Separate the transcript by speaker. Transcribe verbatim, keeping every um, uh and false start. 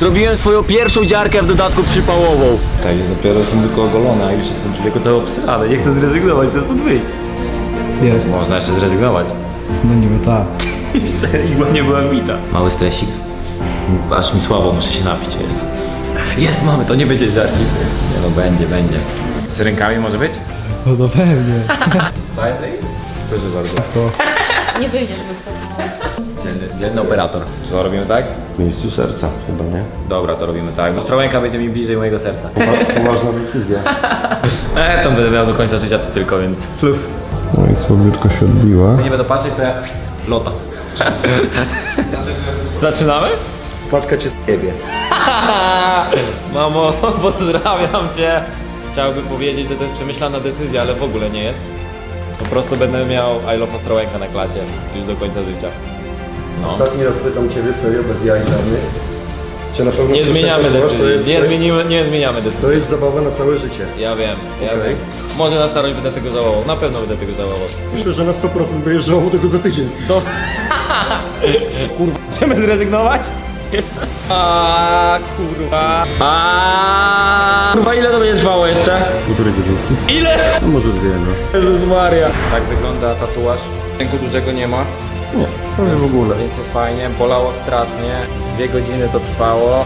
Speaker 1: Zrobiłem swoją pierwszą dziarkę, w dodatku przypałową. Tak, dopiero jestem tylko ogolony, a już jestem człowieku cały obsrany. Nie chcę zrezygnować, chcę stąd wyjść.
Speaker 2: Jest.
Speaker 1: Można jeszcze zrezygnować.
Speaker 2: No niby tak.
Speaker 1: Jeszcze igła nie była wbita. Mały stresik. Aż mi słabo, muszę się napić, jest. Jest, mamy, to nie będzie dziarki. Nie no, będzie, będzie. Z rękami może być?
Speaker 2: No to pewnie.
Speaker 1: Staje tutaj? Proszę bardzo.
Speaker 3: Nie wyjdziesz bez tego.
Speaker 1: Dzienny, dzienny operator. Co robimy tak?
Speaker 4: W miejscu serca chyba, nie?
Speaker 1: Dobra, to robimy tak. Ostrołęka będzie mi bliżej mojego serca.
Speaker 4: Poważna decyzja.
Speaker 1: E, tam będę miał do końca życia to tylko, więc plus.
Speaker 4: No i słabiutko się odbiła.
Speaker 1: Nie będę patrzeć, to ja... Lota. Zaczynamy?
Speaker 4: Paczka cię z ciebie.
Speaker 1: Mamo, pozdrawiam cię. Chciałbym powiedzieć, że to jest przemyślana decyzja, ale w ogóle nie jest. Po prostu będę miał I love Ostrołęka na klacie już do końca życia. No.
Speaker 4: Ostatni raz pytam ciebie serio, bez jaj dla mnie. Czy na pewno
Speaker 1: Nie
Speaker 4: coś
Speaker 1: zmieniamy
Speaker 4: takiego masz? To
Speaker 1: decyzji,
Speaker 4: jest-
Speaker 1: nie,
Speaker 4: to jest-
Speaker 1: zmienimy, nie zmieniamy decyzji.
Speaker 4: To jest zabawa na całe życie.
Speaker 1: Ja wiem, ja
Speaker 4: Okej.
Speaker 1: wiem. Może na starość będę tego żałował, na pewno będę tego żałował.
Speaker 4: Myślę, że na sto procent będziesz żałował tego za tydzień.
Speaker 1: To... Kurwa, chcemy zrezygnować? Jeszcze? A kurwa. A kurwa, ile to będzie trwało jeszcze?
Speaker 4: Półtorej godzinki.
Speaker 1: Ile?
Speaker 4: No może dwie, no.
Speaker 1: Jezus Maria. Tak wygląda tatuaż. Ręku dużego nie ma.
Speaker 4: Nie, to nie w ogóle.
Speaker 1: Więc jest fajnie, bolało strasznie. Dwie godziny to trwało.